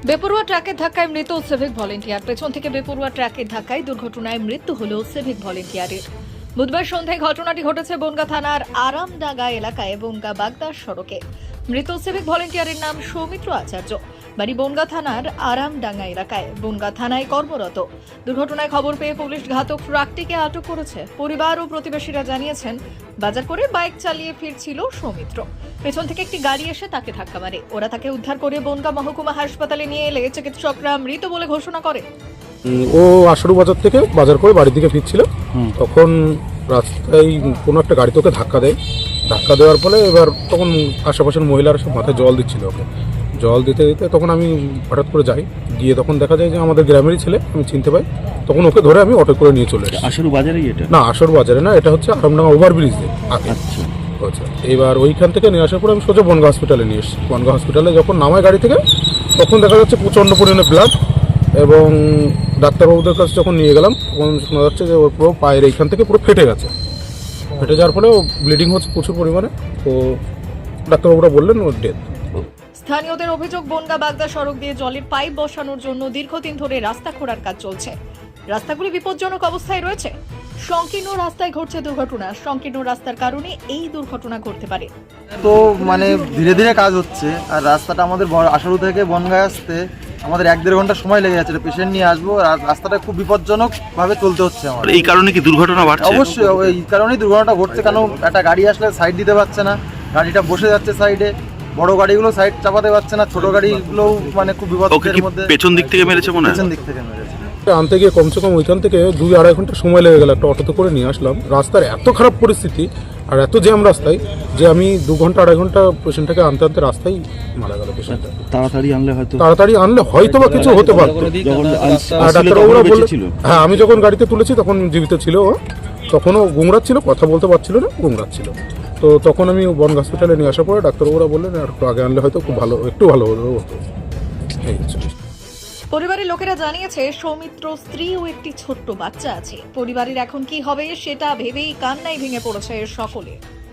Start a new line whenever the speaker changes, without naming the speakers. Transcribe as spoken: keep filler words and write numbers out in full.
বেপরোয়া ট্রাকের ধাক্কায় মৃত সিভিক ভলেন্টিয়ার। পেছন থেকে বেপরোয়া ট্রাকের ধাক্কায় দুর্ঘটনায় মৃত্যু হল সিভিক ভলেন্টিয়ারের। বুধবার সন্ধ্যায় ঘটনাটি ঘটেছে বনগাঁ থানার আরামডাঙ্গা এলাকায় বনগাঁ বাগদার সড়কে। মৃত সিভিক ভলেন্টিয়ারের নাম সৌমিত্র আচার্য, বাড়ি বনগাঁ থানার আরামডাঙ্গা এলাকায়, বনগাঁ থানায় কর্মরত। দুর্ঘটনায় খবর পেয়ে পুলিশ ঘাতক ট্রাকটিকে আটক করেছে। পরিবার ও প্রতিবেশীরা জানিয়েছেন, বাজার করে বাইক চালিয়ে ফিরছিল সৌমিত্র। পেছন থেকে একটি গাড়ি এসে তাকে ধাক্কা মারে। ওরা তাকে উদ্ধার করে বনগাঁ মহকুমা হাসপাতালে নিয়ে এলে চিকিৎসকরা মৃত বলে ঘোষণা করে।
ও আশরু বাজার থেকে বাজার করে বাড়ির দিকে ফিরছিল, তখন রাস্তায় কোনো একটা গাড়ি তোকে ধাক্কা দেয়। ধাক্কা দেওয়ার ফলে এবার তখন আশেপাশের মহিলারা সব মাথায় জল দিচ্ছিল ওকে। জল দিতে দিতে তখন আমি হঠাৎ করে যাই, গিয়ে তখন দেখা যায় যে আমাদের গ্রামেরই ছেলে, আমি চিনতে পাই। তখন ওকে ধরে আমি অটো করে নিয়ে চলে এসেছি।
আশরু বাজারেই এটা?
না, আশরু বাজারে না, এটা হচ্ছে আরামডাঙ্গা ওভারব্রিজ দিয়ে আগে।
আচ্ছা
আচ্ছা, এবার ওইখান থেকে নিয়ে আসার পরে আমি সোজা বনগাঁ হসপিটালে নিয়ে এসেছি। বনগাঁ হসপিটালে যখন নামায় গাড়ি থেকে, তখন দেখা যাচ্ছে প্রচণ্ড পরিমাণে ব্লাড, এবং ডাক্তারবাবুদের কাছে যখন নিয়ে গেলাম তখন শোনা যাচ্ছে যে ওর পুরো পায়ের এইখান থেকে পুরো ফেটে গেছে। ফেটে যাওয়ার ফলে ও ব্লিডিং হচ্ছে প্রচুর পরিমাণে। তো ডাক্তারবাবুরা বললেন ওর ডেথ।
স্থানীয়দের অভিযোগ, বনগাঁ বাগদা সড়ক দিয়ে জলের পাইপ বসানোর জন্য দীর্ঘদিন ধরে রাস্তা খোঁড়ার কাজ চলছে। রাস্তাগুলি বিপজ্জনক অবস্থায় রয়েছে। সংকীর্ণ রাস্তায় ঘটছে দুর্ঘটনা। সংকীর্ণ রাস্তার কারণে এই দুর্ঘটনা ঘটতে পারে।
তো মানে ধীরে ধীরে কাজ হচ্ছে, আর রাস্তাটা আমাদের আশারু থেকে বনগাঁ আসতে আমাদের এক দেড় ঘন্টা সময় লেগে যাচ্ছে। পেশেন্ট নিয়ে আসবো, আর রাস্তাটা খুব বিপজ্জনক ভাবে চলতে হচ্ছে আমার।
এই কারণে কি দুর্ঘটনা বাড়ছে?
অবশ্যই এই কারণেই দুর্ঘটনা ঘটছে, কারণ একটা গাড়ি আসলে সাইড দিতে পারছে না, গাড়িটা বসে যাচ্ছে সাইডে। বড় গাড়িগুলো সাইড চাপাতে পারছে না, ছোট গাড়িগুলো মানে খুব বিপদের মধ্যে।
পেছন দিক থেকে মেরেছে মনে হয়?
পেছন দিক থেকে মেরেছে।
আনতে গিয়ে কমসে কম ওইখান থেকে দুই আড়াই ঘন্টা সময় লেগে গেল। একটা অটোতে করে নিয়ে আসলাম। রাস্তার এত খারাপ পরিস্থিতি আর এত জ্যাম রাস্তায় যে আমি দু ঘন্টা আড়াই ঘন্টা পেশেন্টটাকে আনতে আনতে রাস্তায় মারা গেল পেশেন্টটা।
তাড়াতাড়ি আনলে হয়তো
তাড়াতাড়ি আনলে হয়তো বা কিছু হতে পারতো। আর ডাক্তারবাবুরা বললেন, হ্যাঁ, আমি যখন গাড়িতে তুলেছি তখন জীবিত ছিল ও। তখনও গুমরাচ্ছিল, কথা বলতে পারছিল না, গুমরাচ্ছিল। তো তখন আমি বনগাঁ হসপিটালে নিয়ে আসার পরে ডাক্তারবাবুরা বললেন আর একটু আগে আনলে হয়তো খুব ভালো, একটু ভালো হতো। এই হচ্ছে।
পরিবারের লোকেরা জানিয়েছে, সৌমিত্র স্ত্রী ও একটি ছোট্ট বাচ্চা আছে। পরিবারের এখন কি হবে সেটা ভেবেই কান্নায় ভেঙে পড়েছে সকলে।